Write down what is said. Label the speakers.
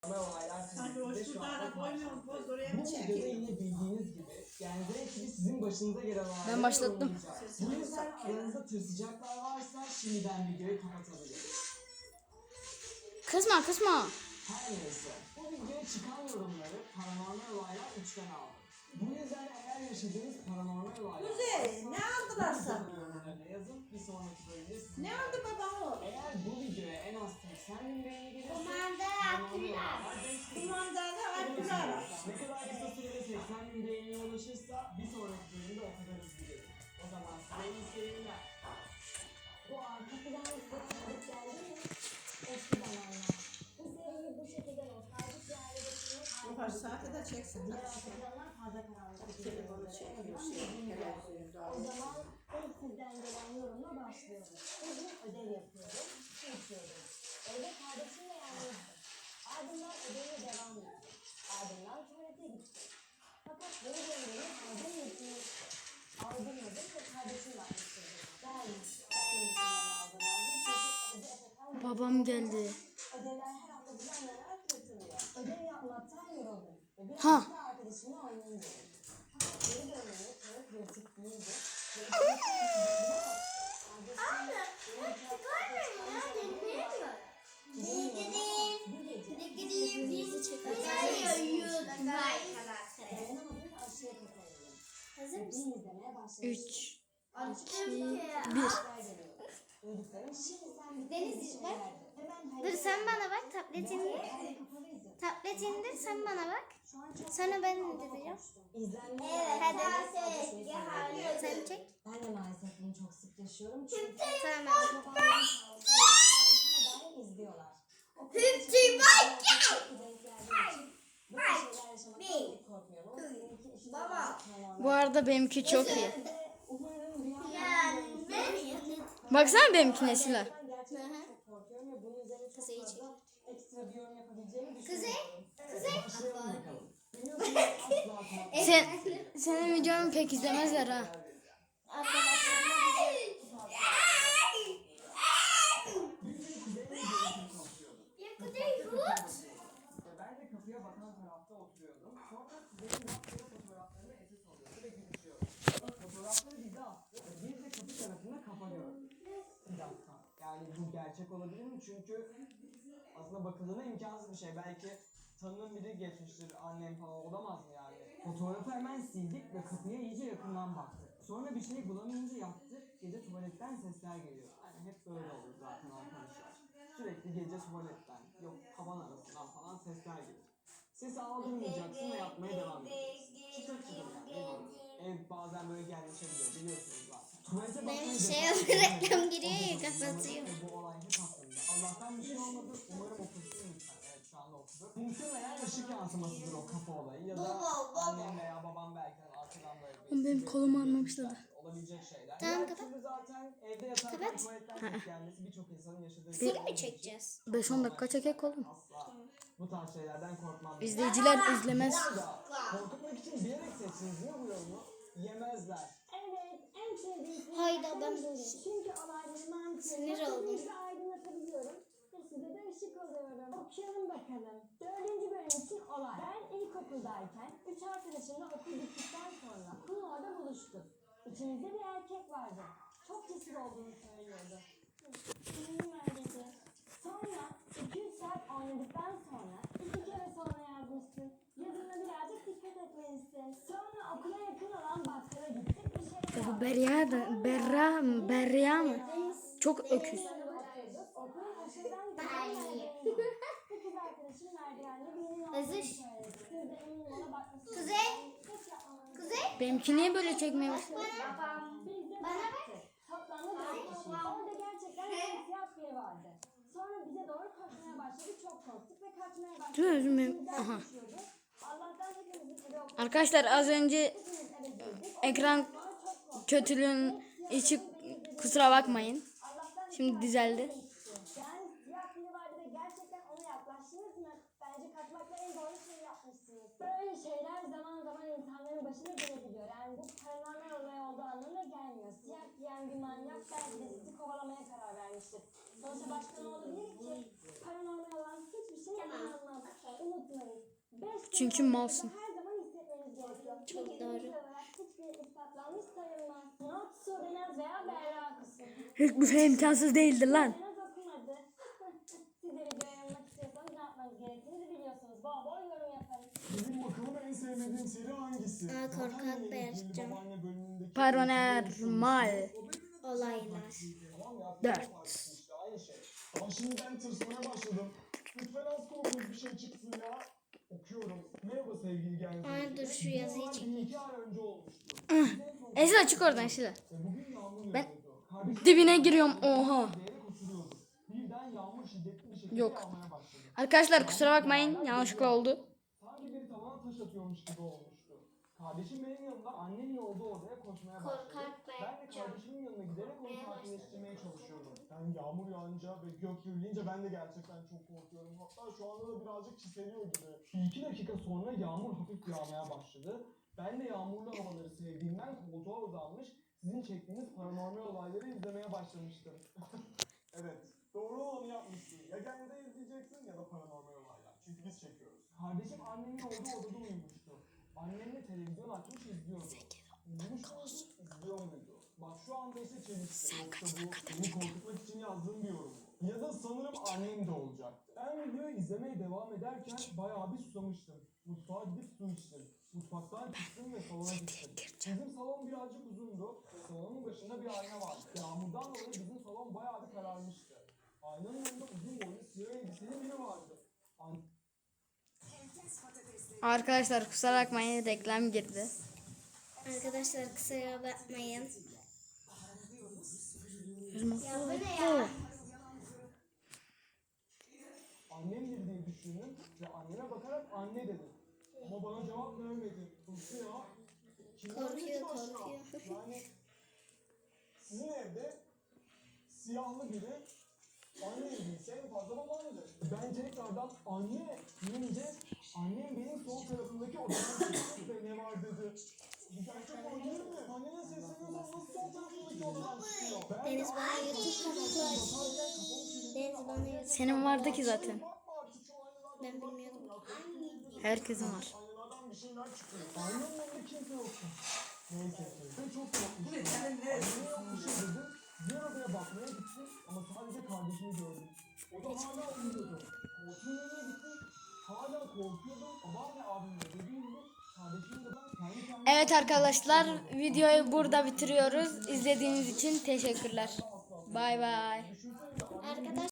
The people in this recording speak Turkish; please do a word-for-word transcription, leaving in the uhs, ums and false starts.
Speaker 1: Olaylar
Speaker 2: Sanki o
Speaker 1: sizde şu anda
Speaker 2: şurada koymuyorum, poz oraya
Speaker 1: Bu
Speaker 2: mı
Speaker 1: videoda
Speaker 2: çekiyor?
Speaker 1: yine bildiğiniz gibi yani direkt gibi sizin başınıza gelen olayları
Speaker 3: Ben başlattım.
Speaker 1: yorumlayacağız. Bu yüzden aranızda tırsacaklar varsa şimdiden videoyu kapatabiliriz.
Speaker 3: Kızma kızma.
Speaker 1: Her neyse bu videoya çıkan yorumları paranormal olaylar üçten aldı. Bu yüzden eğer yaşadığınız paranormal olaylar
Speaker 2: Kuzey, ne aldılar sana?
Speaker 1: yorumlarına yazın bir sonraki bölümde sizinle.
Speaker 2: Ne oldu baba o?
Speaker 1: Eğer bu videoya en az seksen bin beğeni gelirse
Speaker 4: Kumanda
Speaker 1: paranormal
Speaker 4: aktılar.
Speaker 1: olaylar beş bin.
Speaker 2: Kumandanı attılar.
Speaker 1: Ne kadar kısa sürede seksen bin beğeniye ulaşırsa bir sonraki bölümde o kadar hızlı gelir. O zaman size iyi seyirler.
Speaker 4: Bu arka plan size tanıdık geldi mi? Eski zamanlar. Bu seriyi bu şekilde nostaljik bir hale getirmek
Speaker 2: Bu kaç saate de çeksin.
Speaker 4: diğer arka planlar fazla karanlık.
Speaker 2: Telefonu çekiyor, şey, televizyonda.
Speaker 4: O zaman ilk sizden gelen yorumla başlıyorum. Bugün ödev yapıyordum, su içiyordum. Evde kardeşimle yalnızdım. Ardından ödeve devam ettim. Ardından tuvalete gittim. Fakat beni döndüğümü aldım yetimi aldırmadım ve kardeşimle almıştırdım. Yani ben yetimi aldım aldım çünkü evde efekan
Speaker 3: Babam geldi.
Speaker 4: ödevler her hafta düzenlenerek yapılıyor. Ödev yapmaktan yoruldum. Ve bir
Speaker 3: Ha.
Speaker 4: hafta arkadaşımla oynayayım dedim. Fakat geri dönmeyi tanık yırtık değildi. Ve ikinci Anne,
Speaker 3: Üç.
Speaker 4: Deniz bak.
Speaker 5: Dur sen bana bak tabletinde. Tabletinde sen bana bak. Sonra ben indireceğim.
Speaker 4: Evet,
Speaker 5: hadi.
Speaker 4: Sen
Speaker 5: Sen çek.
Speaker 4: Ben de maalesef bunu çok sık yaşıyorum. Çünkü
Speaker 5: Tamam.
Speaker 4: akrabalarım sağ olsun, her daim izliyorlar. O kadar çok bak bu tür şeyler yaşamaktan pek korkmuyorum. Ama seninki işin
Speaker 3: Bu arada benimki çok iyi.
Speaker 4: umarım rüyalarım
Speaker 3: Baksana benimki Nesila.
Speaker 4: gerçekten çok korkuyorum ve bunun üzerine çok
Speaker 5: Kuzey'i çek.
Speaker 4: fazla ekstra bir yorum yapabileceğimi
Speaker 5: Kuzey.
Speaker 4: düşünüyorum.
Speaker 5: Kuzey.
Speaker 1: Başlayalım bakalım. Biliyorsunuz asla korkmam.
Speaker 3: Sen senin videonu pek izlemezler ha.
Speaker 1: Ve ben de kapıya bakan tarafta oturuyordum. Sonra kuzenim yaptığı fotoğraflarını esas alıyordu ve gülüşüyordu. Fotoğrafları bize attı ve biz de kapı tarafında kafa gördük. Bir dakika. Yani bu gerçek olabilir mi? Çünkü aslında bakıldığında imkansız bir şey. Belki tanıdığım biri geçmiştir, annem falan olamaz mı yani? Fotoğrafı hemen sildik ve kapıya iyice yakından baktık. Sonra bir şey bulamayınca yattık. Gece tuvaletten sesler geliyor. Yani hep böyle olur zaten arkadaşlar. Sürekli gece tuvaletten, yok tavan arasından falan sesler gelir. Sesi aldırmayacaksın ve yapmaya devam edeceksin. Çıtır çıtır yani. Ev, olur. Ev bazen böyle gelmişebiliyor biliyorsunuz zaten. Tuvalete bakmayı
Speaker 5: Benim
Speaker 1: defa-
Speaker 5: şey reklam giriyor ya,
Speaker 1: O
Speaker 5: kapatıyor.
Speaker 1: Bu olay hep aklımda. Allah'tan bir şey olmadı. Umarım okusun lütfen. Evet şu anda okudu. Muhtemelen ışık yansımasıdır o kafa olayı. Ya da annem veya babam belki arkadan böyle bir...
Speaker 3: Oğlum benim kolumu anlamışlar.
Speaker 1: Olabilecek şeyler.
Speaker 5: Tamam,
Speaker 1: Diğer
Speaker 5: kapat.
Speaker 1: türlü zaten evde yatarken
Speaker 5: Kapat.
Speaker 1: tuvaletten ses gelmesi birçok insanın yaşadığı
Speaker 5: Film mi çekeceğiz?
Speaker 3: beş on dakika çekek oğlum.
Speaker 1: Asla bu tarz şeylerden korkmam.
Speaker 3: İzleyiciler izlemez.
Speaker 1: Bu arada korkutmak için bilerek seçtiniz değil mi bu yorumu? Yemezler.
Speaker 4: Evet, en sevdiğim film
Speaker 5: Hayda, ben
Speaker 4: Deniz.
Speaker 5: böyle.
Speaker 4: Çünkü olayları mantığıyla
Speaker 5: Sinir oldum.
Speaker 4: hızlıca aydınlatabiliyorum. Ve size de ışık oluyorum. Okuyalım bakalım. Dördüncü bölüm için olay. Ben ilkokuldayken üç arkadaşımla okul bittikten sonra okulun orada buluştuk. İçimizde bir erkek vardı. Çok cesur olduğunu söylüyordu. Kimim öyleydi. Sonra iki üç saat oynadıktan sonra iki kere sonra yazmışsın. Yazına birazcık dikkat etmelisin. Sonra okula yakın olan bakkala gittik. Bir şey
Speaker 3: Ya bu Berya da Berra mı? Berya mı? Çok öküz.
Speaker 4: Okulun aşağıdan giden merdiveni var. Bu kız arkadaşım merdivende birinin olduğunu
Speaker 5: Özür.
Speaker 4: söyledi. Siz de eminim ona bakmışsınız.
Speaker 5: Kuzey.
Speaker 4: Hiç yapmamanız
Speaker 5: Kuzey.
Speaker 3: Benimki niye böyle çekmeye başladı?
Speaker 4: Biz de baktık. Toplamda dört kişiyiz. Orada gerçekten siyah biri vardı. Sonra bize doğru koşmaya başladı. Çok korktuk ve kaçmaya başladık.
Speaker 3: Dur özür dilerim.
Speaker 4: Bizden
Speaker 3: Aha.
Speaker 4: kaçıyordu. Allah'tan hepimizin eve okuduk.
Speaker 3: Arkadaşlar az önce
Speaker 4: Hepimiz eve girdik.
Speaker 3: ekran
Speaker 4: Sonra çok korktuk.
Speaker 3: kötülüğün içi kusura bakmayın.
Speaker 4: Allah'tan
Speaker 3: Şimdi düzeldi.
Speaker 4: Yani siyah biri vardı ve gerçekten ona yaklaştınız mı? Bence kaçmakla en doğru şeyi yapmışsınız. Böyle şeyler zaman zaman insanların başına gelebiliyor. Yani bu paranormal olay olduğu anlamına gelmiyor. Siyah giyen bir manyak belki de sizi kovalamaya karar vermiştir. Sonuçta başka ne olabilir ki? Paranormal olan hiçbir şeye inanmam.
Speaker 3: Çünkü malsın.
Speaker 4: Her zaman hissetmeniz gerekiyor.
Speaker 5: Çok
Speaker 4: Çünkü
Speaker 5: doğru.
Speaker 4: bilimsel olarak hiçbir ispatlanmış sayılmaz. Not Sudenaz veya Berra kısmı.
Speaker 3: Hiçbir şey imkansız değildir lan.
Speaker 4: Sudenaz okumadı. Siz de video yorumlamak istiyorsanız ne yapmanız gerektiğini biliyorsunuz. Bol bol yorum yapın.
Speaker 6: Benim bakalım en sevmediğim seri hangisi?
Speaker 5: Aa, korkak
Speaker 6: Babaannenin
Speaker 5: Berkcan.
Speaker 6: babaanne bölümündeki-
Speaker 3: Paranormal
Speaker 5: Olaylar.
Speaker 6: Tamam ya,
Speaker 3: dört.
Speaker 6: işte aynı şey. Ama şimdi ben tırsmaya başladım. Lütfen az korkunç bir şey çıksın ya. Okuyorum. Merhaba sevgili gençler.
Speaker 5: Ay, dur şu yazıyı
Speaker 6: Bu
Speaker 5: çekeyim.
Speaker 6: iki ay önce olmuştu.
Speaker 3: Esra çık oradan Esra.
Speaker 6: Ve bugün yağmur
Speaker 3: Ben
Speaker 6: yağıyordu. Kardeşim
Speaker 3: dibine giriyorum, oha.
Speaker 6: diyerek oturuyordu. Birden yağmur şiddetli bir şekilde
Speaker 3: Yok.
Speaker 6: yağmaya başladı.
Speaker 3: Arkadaşlar kusura bakmayın, yanlışlıkla oldu.
Speaker 6: Sanki biri tavana taş atıyormuş gibi olmuştu. Kardeşim benim yanımda annemin olduğu odaya koşmaya başladı.
Speaker 5: Korkak
Speaker 6: Ben de
Speaker 5: Berkcan.
Speaker 6: kardeşimin yanına giderek onu
Speaker 5: Korkmaya
Speaker 6: sakinleştirmeye çalışıyordum. Yani yağmur yağınca ve gök gürleyince ben de gerçekten çok korkuyorum. Hatta şu anda da birazcık çiseliyor gibi. Bir iki dakika sonra yağmur hafif yağmaya başladı. Ben de yağmurlu havaları sevdiğimden koltuğa uzanmış, sizin çektiğiniz paranormal olayları izlemeye başlamıştım. Evet, doğru olanı yapmışsın. Ya kendini izleyeceksin ya da paranormal olaylar. Çünkü biz çekiyoruz. Kardeşim annemin olduğu odada uyumuştu. Annemle televizyon açmış izliyordu. Uyumuş muydu, izliyor muydu? Bak şu anda ise çelişti. Yoksa bu beni korkutmak için yazdığım bir yorum. Ya da sanırım annem de olacaktı. Ben videoyu izlemeye devam ederken bayağı bir susamıştım. Mutfağa gidip su içtim. Mutfaktan çıktım ve salona gittim. Bizim salon birazcık uzundu. Salonun başında bir ayna vardı. Yağmurdan dolayı bizim salon bayağı bir kararmıştı. Aynanın önünde uzun boylu siyah elbiseli biri vardı. An-
Speaker 3: Arkadaşlar kusura bakmayın, reklam girdi.
Speaker 5: Arkadaşlar kusura bakmayın.
Speaker 3: Ya
Speaker 5: bu ne ya?
Speaker 6: Annemdir diye düşündüm ve anneme bakarak anne dedim. Ama bana cevap vermedi. Nasıl ya? Kim verdi ki
Speaker 5: Korkuyor,
Speaker 6: başka?
Speaker 5: korkuyor.
Speaker 6: Yani sizin evde siyahlı biri anne evliyse en fazla babaannedir. Ben tekrardan anne deyince annem benim sol tarafındaki odadan çıktı ve ne var dedi. Bu gerçek olabilir mi? Annene sesleniyorsan nasıl sol tarafındaki odadan çıkıyor? Ben
Speaker 5: Deniz
Speaker 6: de
Speaker 5: bana
Speaker 6: aynı
Speaker 5: YouTube
Speaker 6: şekilde
Speaker 5: kanalı aç.
Speaker 6: bakarken kafamı çevirdim.
Speaker 5: Deniz bana YouTube
Speaker 3: Senin vardı ki zaten.
Speaker 5: Ben bilmiyordum.
Speaker 3: Herkesin var.
Speaker 6: Aynalardan bir şeyler çıkıyor. Aynanın önünde kimse yoktu. Neyse ki. Ben çok korkmuştum.
Speaker 1: Bu ne? Sen ne?
Speaker 6: Anneme yok bir şey dedim. Diğer odaya bakmaya gittim ama sadece kardeşimi gördüm. O da hala uyuyordu. Koltuğun önüne gittim. Hala korkuyordum. Babam ve abimle dediğim gibi kardeşim de ben kendi kendime...
Speaker 3: Evet arkadaşlar, videoyu burada bitiriyoruz. İzlediğiniz için teşekkürler. Bay bay.
Speaker 5: Arkadaşlar